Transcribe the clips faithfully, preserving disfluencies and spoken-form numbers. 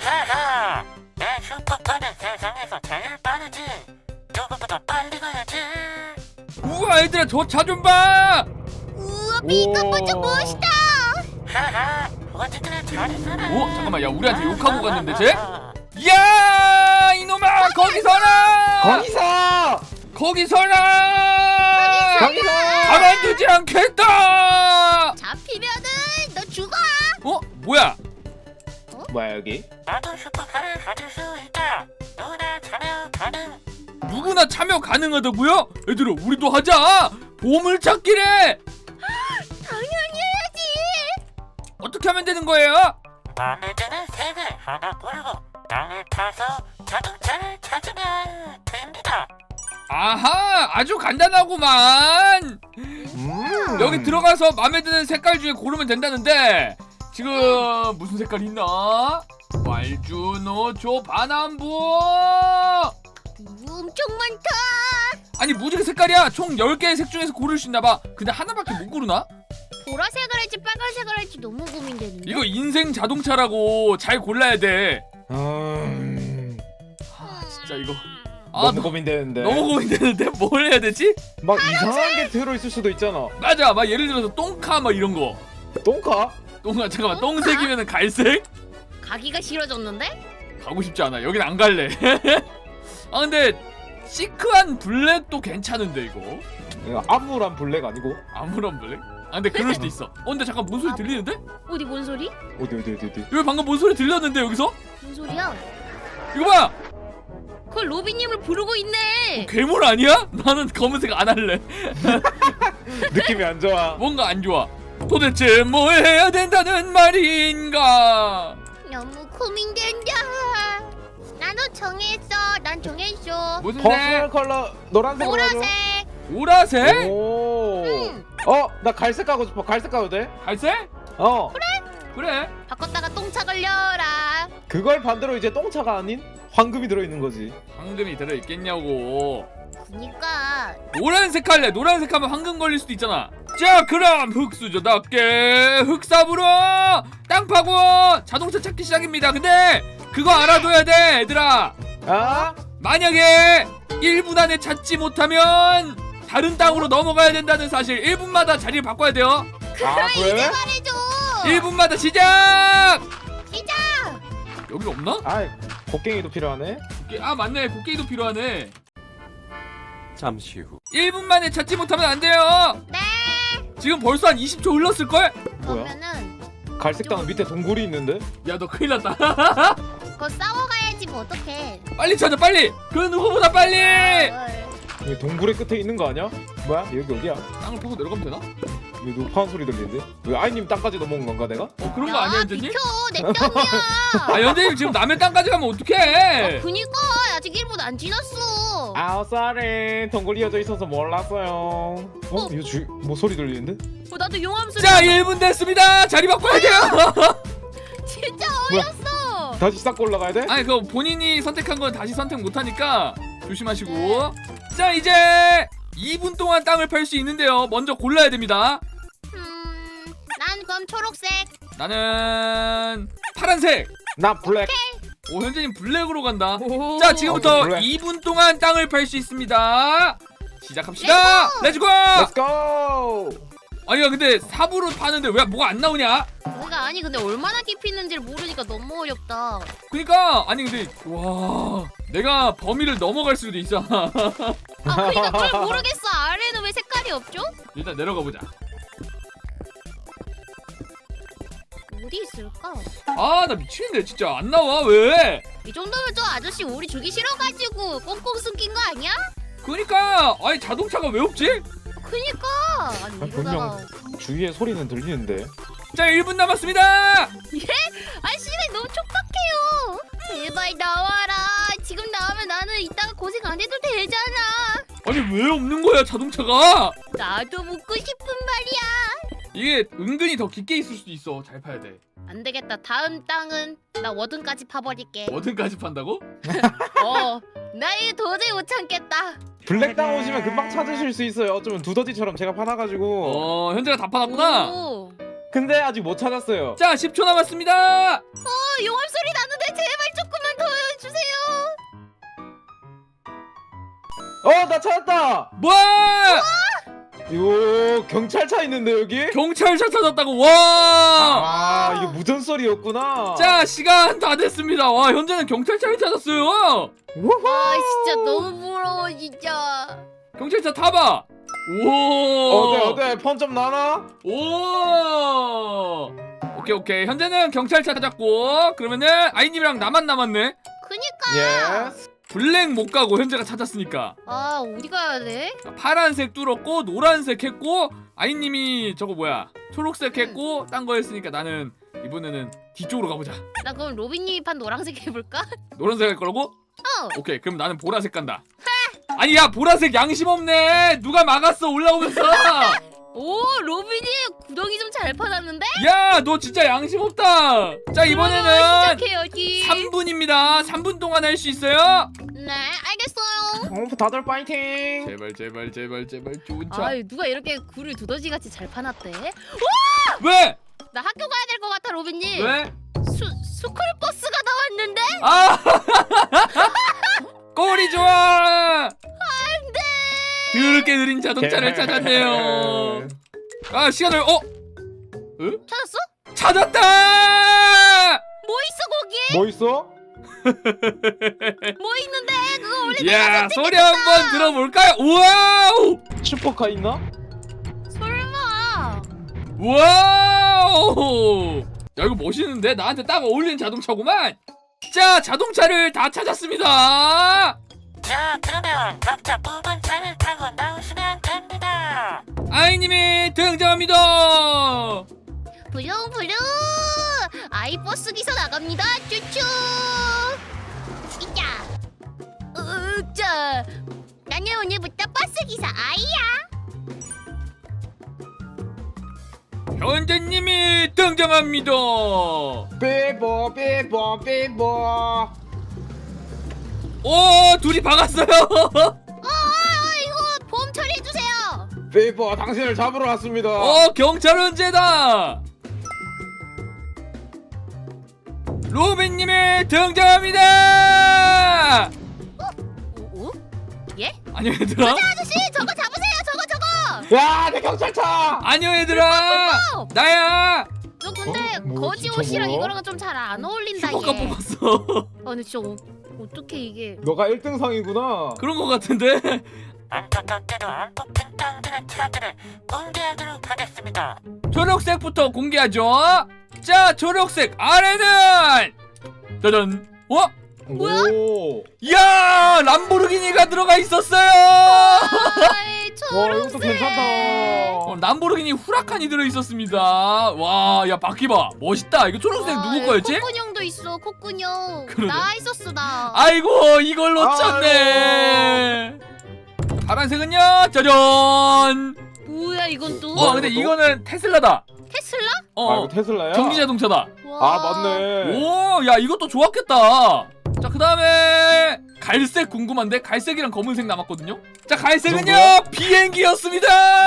하하, 내 슈퍼카는 세상에서 제일 빠르지. 누구보다 빨리 가야지. 우와 얘들아 저 차 좀 봐. 우와 비겁 좀 멋있다. 하하, 어쨌든 잘 있어라. 오 잠깐만 야 우리한테 욕하고 갔는데 쟤? 야 이놈아 거기 서라. 거기서! 거기 서라. 거기서! 가만두지 않겠다. 잡히면은 너 죽어. 어 뭐야? 뭐야 여기? 나도 슈퍼카를 가질 수 있다. 누구나 참여 가능. 누구나 참여 가능하다고요? 얘들아 우리도 하자. 보물찾기래. 당연히 해야지. 어떻게 하면 되는 거예요? 마음에 드는 색을 하나 고르고 땅을 타서 자동차를 찾으면 됩니다. 아하 아주 간단하구만. 음. 여기 들어가서 마음에 드는 색깔 중에 고르면 된다는데 지금 무슨 색깔이 있나? 말주노초 바남부. 엄청 많다. 아니 무지개 색깔이야. 총 열 개의 색 중에서 고를 수 있나봐. 근데 하나밖에 못 고르나? 보라색을 할지 빨간색을 할지 너무 고민되는데. 이거 인생 자동차라고 잘 골라야 돼. 음... 아 진짜 이거 아 너무 너, 고민되는데. 너무 고민되는데 뭘 해야 되지? 막 이상한 게 들어있을 수도 있잖아. 맞아 막 예를 들어서 똥카 막 이런 거. 똥카? 똥카 잠깐만 똥색이면 갈색? 가기가 싫어졌는데? 가고 싶지 않아. 여긴 안 갈래. 아 근데 시크한 블랙도 괜찮은데 이거. 이거 암울한 블랙 아니고? 아무런 블랙? 아 근데 그럴 수도 있어. 어 근데 잠깐 뭔 소리 들리는데? 어디 뭔 소리? 어디 어디 어디 어디? 여기 방금 뭔 소리 들렸는데 여기서? 뭔 소리야? 이거 봐! 그걸 로비님을 부르고 있네. 괴물 아니야? 나는 검은색 안 할래. 느낌이 안 좋아. 뭔가 안 좋아. 도대체 뭘 해야 된다는 말인가? 너무 고민된다. 나도 정했어. 난 정했어. 무슨 퍼스널 색? 컬러 노란색으로 하죠. 보라색. 보라색? 오. 응. 어, 나 갈색 가고 싶어. 갈색 가도 돼? 갈색? 어. 그래. 바꿨다가 똥차 걸려라. 그걸 반대로 이제 똥차가 아닌 황금이 들어있는 거지. 황금이 들어있겠냐고. 그니까 노란색 할래. 노란색 하면 황금 걸릴 수도 있잖아. 자 그럼 흑수저답게 흑삽으로 땅 파고 자동차 찾기 시작입니다. 근데 그거 알아둬야 돼 얘들아. 아? 만약에 일 분 안에 찾지 못하면 다른 땅으로 넘어가야 된다는 사실. 일 분마다 자리를 바꿔야 돼요. 아, 이제 그래? 말해줘. 일 분마다 시작! 시작. 여기 없나? 아, 곡괭이도 필요하네. 곡괭이- 아 맞네 곡괭이도 필요하네. 잠시 후. 일 분 만에 찾지 못하면 안 돼요. 네. 지금 벌써 한 이십 초 흘렀을걸? 뭐야? 그러면은 갈색 땅 밑에 동굴이 있는데? 야 너 큰일 났다. 그거 싸워가야지 뭐 어떡해. 빨리 찾아 빨리. 그 누구보다 빨리. 헐. 여기 동굴의 끝에 있는 거 아니야? 뭐야? 여기 어디야? 땅을 파고 내려가면 되나? 여기 높은 소리 들리는데? 왜 아이님 땅까지 넘어온 건가 내가? 어 그런 거 아니야 연재님? 비켜 내 땅이야. 아 연재님 지금 남의 땅까지 가면 어떡해? 그니까 아직 일 분 안 지났어. 아우 쏘리 동굴 이어져 있어서 몰랐어요. 어? 이거 주... 뭐 소리 들리는데? 어, 나도 용암 소리. 자 일 분 됐습니다. 자리 바꿔야 돼요. 진짜 뭐야? 어이없어. 다시 쌓고 올라가야 돼? 아니 그거 본인이 선택한 건 다시 선택 못하니까 조심하시고. 자 이제 이 분 동안 땅을 팔 수 있는데요. 먼저 골라야 됩니다. 음, 난 그럼 초록색. 나는 파란색. 나 블랙. 오 현재님 블랙으로 간다. 오. 자 지금부터 어, 블랙. 이 분 동안 땅을 팔 수 있습니다. 시작합시다. 렛츠고. 렛츠고! 아니야 근데 삽으로 파는데 왜 뭐가 안 나오냐? 뭐가 아니 근데 얼마나 깊이 있는지를 모르니까 너무 어렵다. 그니까 아니 근데 와 내가 범위를 넘어갈 수도 있어. 아 그러니까 그걸 모르겠어. 아래는 왜 색깔이 없죠? 일단 내려가 보자. 어디 있을까? 아 나 미치겠네 진짜 안 나와 왜? 이 정도면 저 아저씨 우리 주기 싫어가지고 꽁꽁 숨긴 거 아니야? 그니까 아니 자동차가 왜 없지? 그니까 아니 아, 이러다가 주위에 소리는 들리는데. 자 일 분 남았습니다. 아 씨발 너무 촉박해요. 제발 나와라. 지금 나오면 나는 이따가 고생 안 해도 되잖아. 아니 왜 없는 거야 자동차가? 나도 묻고 싶은 말이야. 이게 은근히 더 깊게 있을 수도 있어. 잘 파야 돼. 안 되겠다. 다음 땅은 나 워든까지 파버릴게. 어딘까지 판다고? 어, 나 이거 도저히 못 참겠다. 블랙 땅 오시면 금방 찾으실 수 있어요. 어쩌면 두더지처럼 제가 파놔가지고. 어 현재가 다 파놨구나. 오. 근데 아직 못 찾았어요. 자 십 초 남았습니다. 어, 용암 소리 나는데 제발. 어, 나 찾았다. 뭐? 이거 경찰차 있는데 여기? 경찰차 찾았다고. 와. 아, 이게 무전설이었구나. 자, 시간 다 됐습니다. 와, 현재는 경찰차를 찾았어요. 우후. 와 진짜 너무 부러워 진짜. 경찰차 타봐. 오. 어때 어때? 펀 좀 나나? 오. 오케이 오케이. 현재는 경찰차 찾았고, 그러면은 아이님이랑 나만 남았네. 그니까. 예스. 블랙 못 가고 현재가 찾았으니까. 아 어디 가야 돼? 파란색 뚫었고 노란색 했고 아이님이 저거 뭐야 초록색 했고 딴 거 했으니까 나는 이번에는 뒤쪽으로 가보자. 나 그럼 로빈님이 판 노란색 해볼까? 노란색 할 거라고? 어. 오케이 그럼 나는 보라색 간다. 아니 야 보라색 양심 없네. 누가 막았어 올라오면서. 오 로빈이 구덩이 좀 잘 파놨는데? 야 너 진짜 양심 없다. 자 이번에는 그러면 시작해야지. 삼 분입니다. 삼 분 동안 할 수 있어요? 네 알겠어요. 어, 다들 파이팅. 제발 제발 제발 제발 좋은 차. 아유 누가 이렇게 굴을 두더지같이 잘 파놨대? 왜? 나 학교 가야 될 것 같아 로빈님. 왜? 수 스쿨버스가 나왔는데? 아 꼴이 좋아. 안돼. 그렇게 느린 자동차를 찾았네요. 아 시간을 어? 응? 찾았어? 찾았다! 뭐 있어 거기? 뭐 있어? 뭐 있는데? 그거 원래 야 소리 한번 들어볼까요? 우와우! 슈퍼카 있나? 설마. 우와우! 야 이거 멋있는데? 나한테 딱 어울리는 자동차구만. 자 자동차를 다 찾았습니다. 자, 그러면 각자 뽑은 차를 타고 나오시면 됩니다. 아이님이 등장합니다. 부릉부릉 아이버스 기사 나갑니다. 쭈쭈. 이자. 으자. 나는 오늘부터 버스 기사 아이야. 현재님이 등장합니다. 삐뽀 삐뽀 삐뽀. 오 둘이 박았어요. 어, 이거 보험 처리해 주세요. 삐뽀 당신을 잡으러 왔습니다. 어 경찰 은재다. 로빈님이 등장합니다. 오? 오? 예? 안녕 얘들아. 아저씨 저거 잡으세요. 저거 저거. 야, 내 경찰차. 안녕 얘들아. 나야. 너 근데 어? 뭐야, 거지 진짜 옷이랑 뭐야? 이거랑은 좀 잘 안 어울린다 슈퍼카 얘. 뽑았어. 아 근데 진짜 어, 어떻게 이게? 너가 일 등 상이구나. 그런 거 같은데. 안타깝게도 안 뽑힌 당들의 차들을 공개하도록 하겠습니다. 초록색부터 공개하죠. 자 초록색 아래는 짜잔. 어? 뭐야? 오. 야 람보르기니가 들어가 있었어요. 아이 와, 이것도 초록색. 괜찮다. 어, 람보르기니 후라칸이 들어 있었습니다. 와, 야 바퀴 봐, 멋있다. 이거 초록색 아, 누구 거였지? 콧구녕도 있어 콧구녕. 그러네. 나 있었어 나. 아이고 이걸 놓쳤네. 파란색은요, 짜잔. 뭐야 이건 또? 와, 근데 이거는 테슬라다. 테슬라? 아, 어, 이거 테슬라야? 전기 자동차다. 와. 아, 맞네. 오, 야 이것도 좋았겠다. 자, 그 다음에 갈색 궁금한데 갈색이랑 검은색 남았거든요. 자, 갈색은요 뭐야? 비행기였습니다.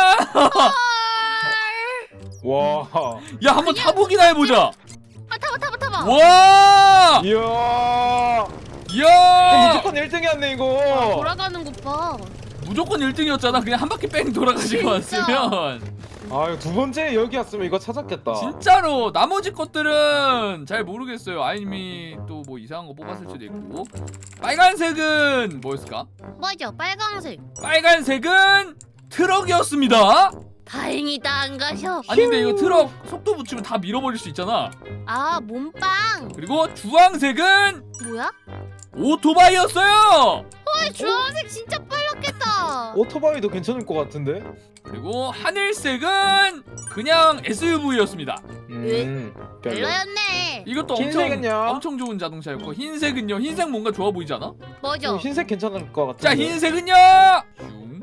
와. 야, 한번 타보기나 해보자. 아 타봐 타봐 타봐. 와, 이야. 이야. 무조건 일 등이었네 이거. 아, 돌아가는 것 봐. 무조건 일 등이었잖아. 그냥 한 바퀴 뺑 돌아가지고 진짜. 왔으면. 아, 두 번째 여기였으면 이거 찾았겠다. 진짜로 나머지 것들은 잘 모르겠어요. 아이님이 또 뭐 이상한 거 뽑았을 수도 있고. 빨간색은 뭐였을까? 맞아 빨강색. 빨간색은 트럭이었습니다. 다행이다 안 가셔. 아니 근데 이거 트럭 속도 붙이면 다 밀어버릴 수 있잖아. 아 몸빵. 그리고 주황색은 뭐야? 오토바이였어요. 헐 주황색 진짜 빨랐겠다. 오토바이도 괜찮을 것 같은데? 그리고 하늘색은 그냥 에스유브이였습니다. 음, 별로. 별로였네. 이것도 엄청 흰색은요? 엄청 좋은 자동차였고, 흰색은요. 흰색 뭔가 좋아 보이지 않아? 맞아. 어, 흰색 괜찮을 것 같은데. 자, 흰색은요. 슝.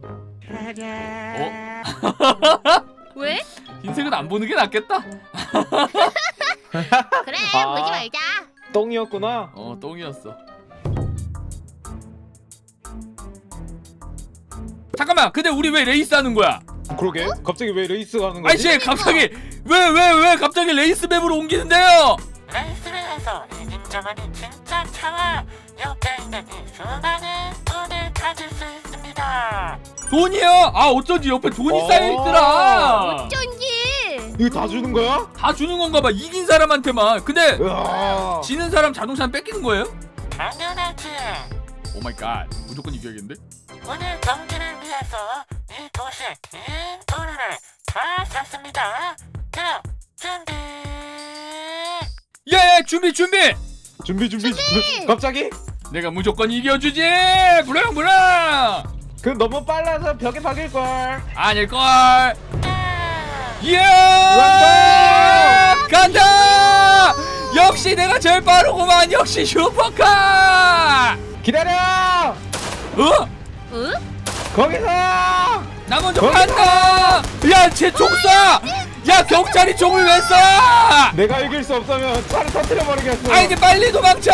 어? 왜? 흰색은 안 보는 게 낫겠다. 그래 아. 보지 말자. 똥이었구나. 어, 똥이었어. 잠깐만, 근데 우리 왜 레이스 하는 거야? 그러게. 갑자기 왜 레이스가 하는 거지? 아이씨, 갑자기 왜 왜 왜 갑자기 레이스 맵으로 옮기는데요? 레이스를 해서 인정하는 진짜 차와 옆에 있는 이 수많은 분을 찾을 수 있습니다. 돈이요? 아 어쩐지 옆에 돈이 어. 쌓여있더라. 어쩐지. 이거 다 주는 거야? 다 주는 건가 봐. 이긴 사람한테만. 근데 으아. 지는 사람 자동차는 뺏기는 거예요? 당연하지. 오 마이 갓. 무조건 이겨야겠는데? 오늘 경기를 위해서 이 도시 긴 도로를 다 샀습니다. 자, 준비. 예, 준비 준비. 준비 준비 준비. 갑자기? 내가 무조건 이겨주지. 브랑 브랑. 그 너무 빨라서 벽에 박일 걸. 아닐걸. 자, 예! 간다! 간다! 역시 내가 제일 빠르구만. 역시 슈퍼카. 기다려. 어? 응? 거기서. 나 먼저 거기서! 간다. 야, 쟤 총 쏴. 야, 경찰이 총을 왜 쏴? 내가 이길 수 없으면 차를 터뜨려 버리겠어. 아, 이제 빨리 도망쳐.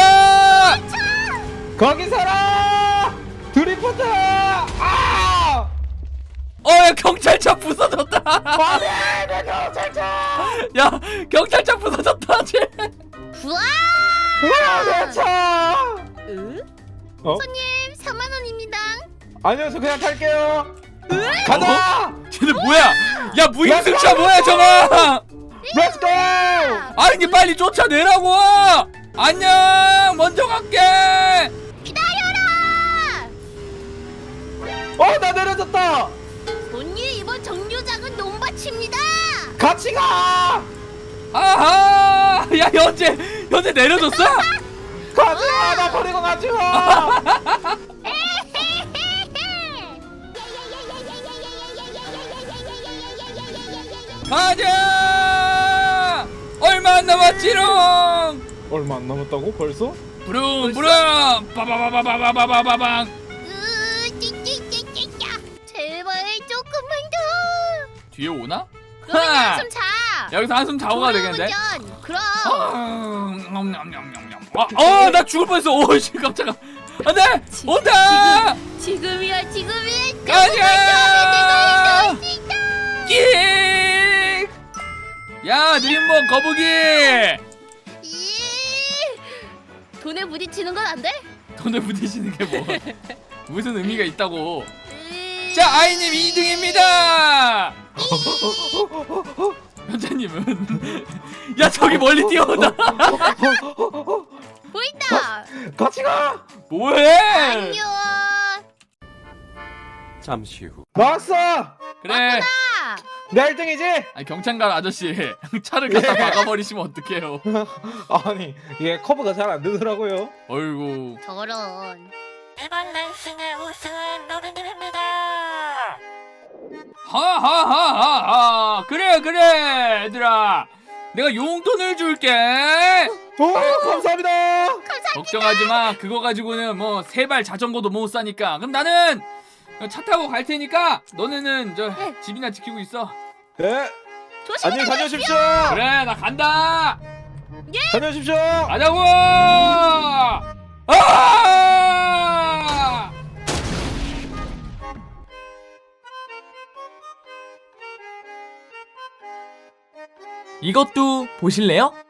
거기 서라. 드리프트. 아! 어, 야, 경찰차 부서졌다. 안돼, 내 경찰차. 야, 경찰차 부서졌다. 쟤. 우와. 으아, 내 차. 응? 어? 손님 삼만 원입니다. 아니어서 그냥 탈게요. 가자. 쟤네 뭐야? 야, 무임승차 뭐야 저거? 렛츠고. 아니, 이제 빨리 쫓아내라고. 안녕. 먼저 갈게. 기다려라. 어, 나 내려졌다. 손님 이번 정류장은 논밭입니다. 같이 가. 아하. 야, 현재 현재 내려줬어? 가지 마. 나 버리고 가지 마. 가자. 얼마 안 남았지롱. 얼마 안 남았다고 벌써? 부릉 부릉. 빠바바바바바바바방. 으, 찌찌찌찌찌. 제발 조금만 더. 뒤에 오나? 그러면 하! 한숨 자. 여기서 한숨 자고 가야 되겠는데? 졸음운전. 그럼. 아, 어, 나 죽을 뻔했어. 오, 씨, 깜짝아. 안돼, 온다. 지금이야 지금이야. 가자. 내가 있다. 끽. 야, 드림몬 거북이. 이 돈에 부딪히는 건 안 돼? 돈에 부딪히는 게 뭐? 무슨 의미가 있다고? 이- 자, 아이님 이 등입니다. 현자님은 야, 저기 멀리 뛰어온다. 보인다. 같이 가. 뭐해? 안녕. 잠시 후. 나왔어. 그래. 아, 내 일 등이지? 아니, 경찰관 아저씨 차를 갖다 박아버리시면 어떡해요? 아니 얘 커브가 잘 안 되더라고요. 어이구. 저런. 이번 레이싱의 우승은 노린님입니다. 하하하하하. 그래 그래 얘들아, 내가 용돈을 줄게. 오, 감사합니다. 걱정하지마. 그거 가지고는 뭐 세발 자전거도 못 사니까. 그럼 나는 차 타고 갈 테니까 너네는 저 집이나 지키고 있어. 네. 조심히 안녕히 다녀오십시오. 그래, 나 간다. 다녀오십시오. 가자고. 아! 이것도 보실래요?